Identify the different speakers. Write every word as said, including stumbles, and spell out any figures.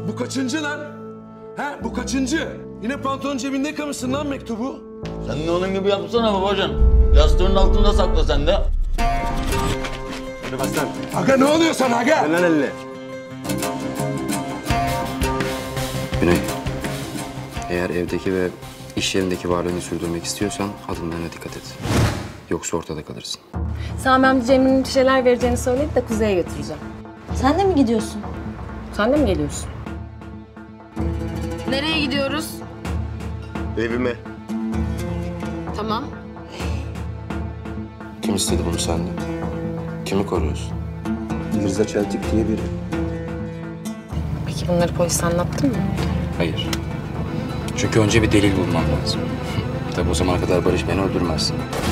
Speaker 1: Bu kaçıncı lan? Ha, bu kaçıncı? Yine pantolon cebinde yıkamışsın lan mektubu.
Speaker 2: Sen de onun gibi yapsana babacan. Yastığın altında sakla sen de.
Speaker 3: Hadi Aslan.
Speaker 1: Aga ne oluyor sana aga?
Speaker 3: Ver lan elini.
Speaker 4: Güney, eğer evdeki ve iş yerindeki varlığını sürdürmek istiyorsan adımlarına dikkat et. Yoksa ortada kalırsın.
Speaker 5: Sami amca Cemre'nin bir şeyler vereceğini söyledi de Kuzey'e götüreceğim.
Speaker 6: Sen de mi gidiyorsun?
Speaker 5: Sen de mi geliyorsun? Nereye gidiyoruz?
Speaker 3: Evime.
Speaker 5: Tamam.
Speaker 4: Kim istedi bunu senden? Kimi koruyorsun?
Speaker 3: Mirza Çeltik diye biri.
Speaker 5: Peki bunları polise anlattın mı?
Speaker 4: Hayır. Çünkü önce bir delil bulmam lazım. Tabii o zamana kadar Barış beni öldürmez.